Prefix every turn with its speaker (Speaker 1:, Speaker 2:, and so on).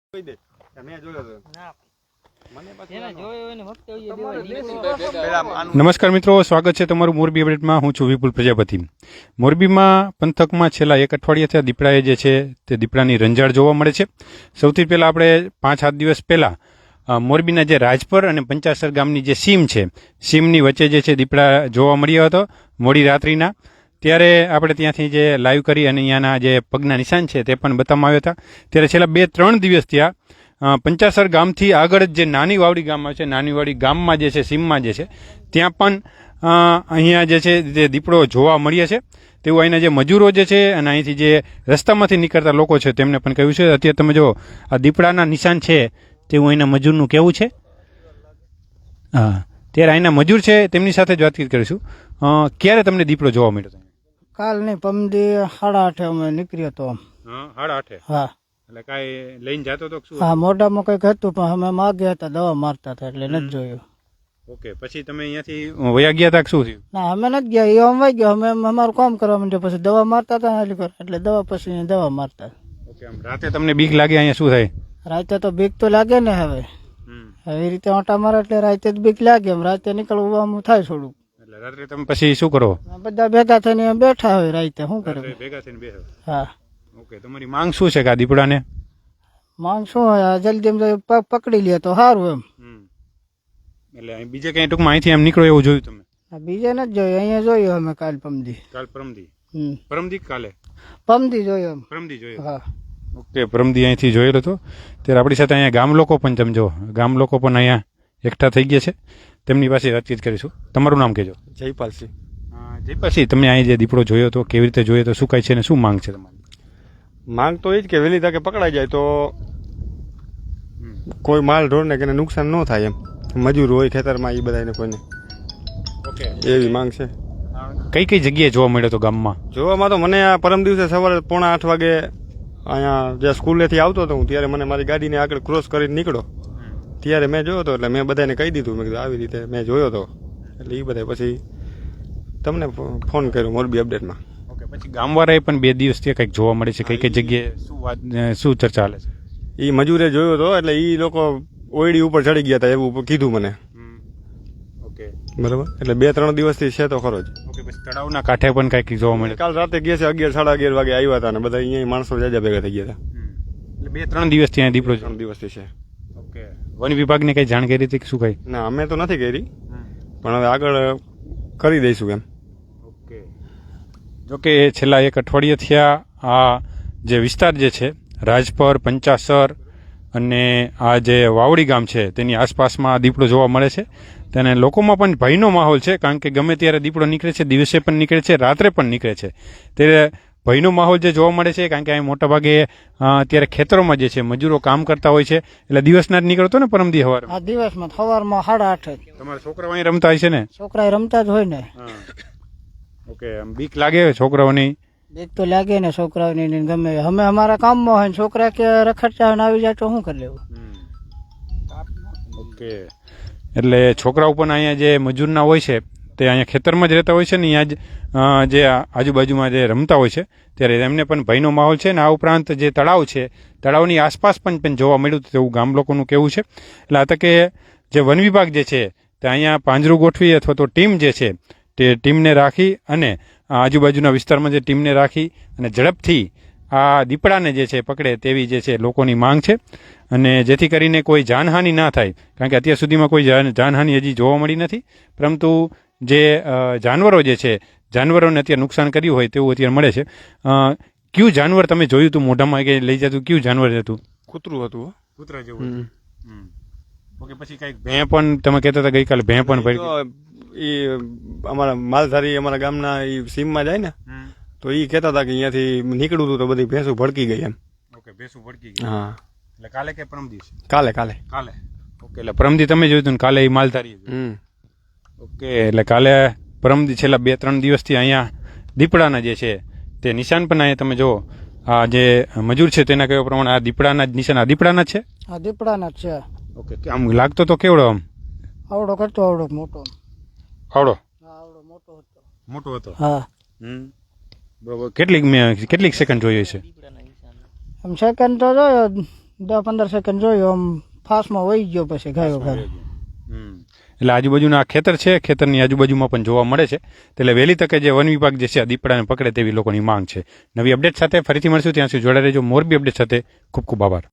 Speaker 1: નમસ્કાર મિત્રો, સ્વાગત છે તમારું મોરબી અપડેટમાં. હું છું વિપુલ પ્રજાપતિ. મોરબીમાં પંથકમાં છેલ્લા એક અઠવાડિયાથી દીપડાએ જે છે તે દીપડાની રંજાડ જોવા મળે છે. સૌથી પહેલા આપણે 5-7 દિવસ પહેલા મોરબીના જે રાજપર અને પંચાસર ગામની જે સીમ છે, સીમની વચ્ચે જે છે દીપડા જોવા મળ્યો હતો મોડી રાત્રિના. ત્યારે આપણે ત્યાંથી જે લાઈવ કરી અને અહીંયાના જે પગના નિશાન છે તે પણ બતાવવામાં આવ્યા હતા. ત્યારે છેલ્લા 2-3 દિવસ ત્યાં પંચાસર ગામથી આગળ જ જે નાની વાવડી ગામ છે, નાની વાવડી ગામમાં જે છે સીમમાં જે છે ત્યાં પણ અહીંયા જે છે તે દીપડો જોવા મળ્યા છે તેવું અહીંના જે મજૂરો જે છે અને અહીંથી જે રસ્તામાંથી નીકળતા લોકો છે તેમને પણ કહ્યું છે. અત્યારે તમે જો આ દીપડાના નિશાન છે તેવું અહીંના મજૂરનું કહેવું છે. હા, ત્યારે અહીંના મજૂર છે તેમની સાથે જ વાતચીત કરીશું. ક્યારે તમને દીપડો જોવા મળ્યો હતો?
Speaker 2: કાલ નહીં, પમદી 8:30 અમે નીકળ્યો હતો.
Speaker 1: 8:30?
Speaker 2: હા.
Speaker 1: એટલે કાંઈ લઈને જતો હતો?
Speaker 2: હા, મોઢામાં કંઈક હતું પણ અમે માગ્યા હતા, દવા મારતા હતા એટલે નથી જોયું.
Speaker 1: ઓકે, પછી તમે અહીંયાથી વયા ગયા હતા કે શું થયું?
Speaker 2: ના, અમે નથી ગયા, એ અમે ગયા, અમે અમારું કામ કરવા માંડ્યા, પછી દવા મારતા હતા એટલે દવા પછી દવા મારતા.
Speaker 1: ઓકે, આમ રાતે તમને બીક લાગે? અહીંયા શું થાય?
Speaker 2: રાતે તો બીક તો લાગે ને. હવે એવી રીતે ઓટા મારે એટલે રાતે જ બીક લાગે. એમ રાતે નીકળવું થાય થોડુંક.
Speaker 1: એટલે રાત્રે તમે પછી શું કરો?
Speaker 2: બધા ભેગા થઈને બેઠા હોય રાતે. શું કરે?
Speaker 1: ભેગા થઈને બેસો?
Speaker 2: હા.
Speaker 1: ઓકે, તમારી માંગ શું છે કે આ દીપડાને?
Speaker 2: માંગ શું હોય, જલ્દી પકડી લે તો સારું એમ.
Speaker 1: એટલે બીજે કઈ ટૂંકમાં અહીંથી એમ નીકળો એવું જોયું તમે?
Speaker 2: બીજે નથી જોયું, અહીંયા જોયું અમે કાલ પરમદી.
Speaker 1: પરમદી કાલે
Speaker 2: પરમદી જોયું એમ.
Speaker 1: પરમદી જોયું?
Speaker 2: હા.
Speaker 1: ઓકે, પરમદી અહીંથી જોયેલો હતો. ત્યારે આપણી સાથે અહીંયા ગામ લોકો પણ, તમે જો ગામ લોકો પણ અહીંયા એકઠા થઈ ગયા છે, તેમની પાસે વાતચીત કરીશું. તમારું નામ કહેજો.
Speaker 3: જયપાલસિંહ.
Speaker 1: જયપાલસિંહ, તમે અહીં જે દીપડો જોયો હતો કેવી રીતે જોયો હતો, શું કાંઈ છે ને શું માંગ છે તમારી?
Speaker 3: માંગ તો એ જ કે વહેલી તકે પકડાઈ જાય તો કોઈ માલ ઢોરને કે નુકસાન ન થાય એમ. મજૂર હોય ખેતરમાં એ બધાને કોઈને.
Speaker 1: ઓકે,
Speaker 3: એવી માંગ છે.
Speaker 1: કઈ કઈ જગ્યાએ જોવા મળ્યો હતો ગામમાં?
Speaker 3: જોવામાં તો મને આ પરમ દિવસે સવારે 7:45 વાગે અહીંયા જે સ્કૂલેથી આવતો હતો હું, ત્યારે મને મારી ગાડીને આગળ ક્રોસ કરીને નીકળો ત્યારે મેં જોયો હતો. એટલે મેં બધાને કહી દીધું, મેં કીધું આવી રીતે મેં જોયો હતો. એટલે એ બધા પછી તમને ફોન કર્યો મોરબી અપડેટમાં.
Speaker 1: ઓકે, પછી ગામવાળાએ પણ 2 દિવસથી કંઈક જોવા મળે છે, કઈ કઈ જગ્યાએ શું વાત શું ચર્ચા ચાલે છે?
Speaker 3: એ મજૂરે જોયો હતો એટલે એ લોકો ઓયડી ઉપર ચડી ગયા હતા એવું કીધું મને.
Speaker 1: ઓકે,
Speaker 3: બરાબર. એટલે 2-3 દિવસથી છે તો ખરો જ.
Speaker 1: ઓકે, પછી તળાવના કાંઠે પણ કંઈક જોવા મળે?
Speaker 3: કાલ રાતે ગયા છે 11-11:30 વાગે આવ્યા હતા ને બધા અહીંયા માણસો જાજા ભેગા થઈ ગયા હતા.
Speaker 1: એટલે 2-3 દિવસથી અહીંયા દીપડો?
Speaker 3: 3 દિવસથી છે.
Speaker 1: ઓકે, વન વિભાગને કઈ જાણ કરી હતી કે શું કઈ?
Speaker 3: ના, અમે તો નથી કરી, પણ હવે આગળ કરી દઈશું એમ.
Speaker 1: ઓકે, જોકે છેલ્લા 1 અઠવાડિયાથી આ જે વિસ્તાર જે છે રાજપર, પંચાસર અને આ જે વાવડી ગામ છે તેની આસપાસમાં દીપડો જોવા મળે છે. તેને લોકોમાં પણ ભયનો માહોલ છે, કારણ કે ગમે ત્યારે દીપડો નીકળે છે, દિવસે પણ નીકળે છે, રાત્રે પણ નીકળે છે. ત્યારે ભયનો માહોલ જે જોવા મળે છે, કારણ કે અહીં મોટાભાગે અત્યારે ખેતરોમાં જે છે મજૂરો કામ કરતા હોય છે. એટલે દિવસના જ નીકળતો ને પરમદી સવારે?
Speaker 2: આ દિવસમાં સવારમાં 8:30.
Speaker 1: તમારા છોકરાઓ અહીં રમતા હોય છે ને?
Speaker 2: છોકરા રમતા જ હોય ને.
Speaker 1: ઓકે, આમ બીક લાગે છોકરાઓની?
Speaker 2: બીક તો લાગે ને છોકરાઓની. ગમે અમે અમારા કામમાં હોય ને છોકરા કે રખડતા આવી જાય તો શું કરી લેવું?
Speaker 1: ઓકે, એટલે છોકરાઓ પણ અહીંયા જે મજૂરના હોય છે તે અહીંયા ખેતરમાં જ રહેતા હોય છે ને અહીંયા જ જે આજુબાજુમાં જે રમતા હોય છે, ત્યારે એમને પણ ભયનો માહોલ છે. ને આ ઉપરાંત જે તળાવ છે, તળાવની આસપાસ પણ જોવા મળ્યું તેવું ગામ લોકોનું કહેવું છે. એટલે આ તકે જે વન વિભાગ જે છે તે અહીંયા પાંજરું ગોઠવી અથવા તો ટીમ જે છે તે ટીમને રાખી અને આજુબાજુના વિસ્તારમાં જે ટીમને રાખી અને ઝડપથી આ દીપડાને જે છે પકડે તેવી જે છે લોકોની માંગ છે. અને જેથી કરીને કોઈ જાનહાનિ ના થાય, કારણ કે અત્યાર સુધીમાં કોઈ જાનહાનિ હજી જોવા મળી નથી, પરંતુ જે જાનવરો જે છે જાનવરોને અત્યારે નુકસાન કર્યું હોય તેવું અત્યારે મળે છે. કયું જાનવર તમે જોયું હતું મોઢામાં કે લઈ જતું? કયું જાનવર હતું?
Speaker 3: કૂતરું હતું.
Speaker 1: કૂતરા જેવું? ઓકે, પછી કઈક ભેં પણ તમે કહેતા હતા ગઈકાલે ભેં પણ ભરી?
Speaker 3: એ અમારા માલધારી અમારા ગામના એ સીમમાં જાય ને તો એ કહેતા હતા કે અહીંયાથી નીકળવું હતું તો બધી ભેંસું ભડકી ગઈ એમ.
Speaker 1: ઓકે, ભેંસું ભડકી ગઈ.
Speaker 3: હા.
Speaker 1: એટલે કાલે કે પરમ દિવસે?
Speaker 3: કાલે.
Speaker 1: ઓકે, એટલે પરમદી તમે જોયું હતું ને કાલે એ માલધારી? ઓકે, એટલે કાલે પરમદી છેલ્લા 2-3 દિવસથી અહીંયા દીપડાના જે છે તે નિશાન પણ અહીંયા તમે જો આ જે મજૂર છે તેના કહેવા પ્રમાણે આ દીપડાના જ નિશાન? આ દીપડાના જ છે?
Speaker 2: આ દીપડાના જ છે.
Speaker 1: ઓકે, આમ લાગતો તો કેવડો? આમ
Speaker 2: આવડો કરતો, આવડો મોટો.
Speaker 1: આવડો?
Speaker 2: હા, આવડો મોટો હતો.
Speaker 1: મોટો હતો?
Speaker 2: હા.
Speaker 1: બરોબર. કેટલીક સેકન્ડ જોઈએ છે?
Speaker 2: આમ સેકન્ડ તો જોયો 10-15 સેકન્ડ જોયું આમ ફાસ્ટમાં વહી ગયો પછી ગયો ઘરે.
Speaker 1: એટલે આજુબાજુના આ ખેતર છે, ખેતરની આજુબાજુમાં પણ જોવા મળે છે. એટલે વહેલી તકે જે વન વિભાગ જે છે આ દીપડાને પકડે તેવી લોકોની માંગ છે. નવી અપડેટ સાથે ફરીથી મળશું, ત્યાં સુધી જોડાઈ રહેજો મોરબી અપડેટ સાથે. ખૂબ ખૂબ આભાર.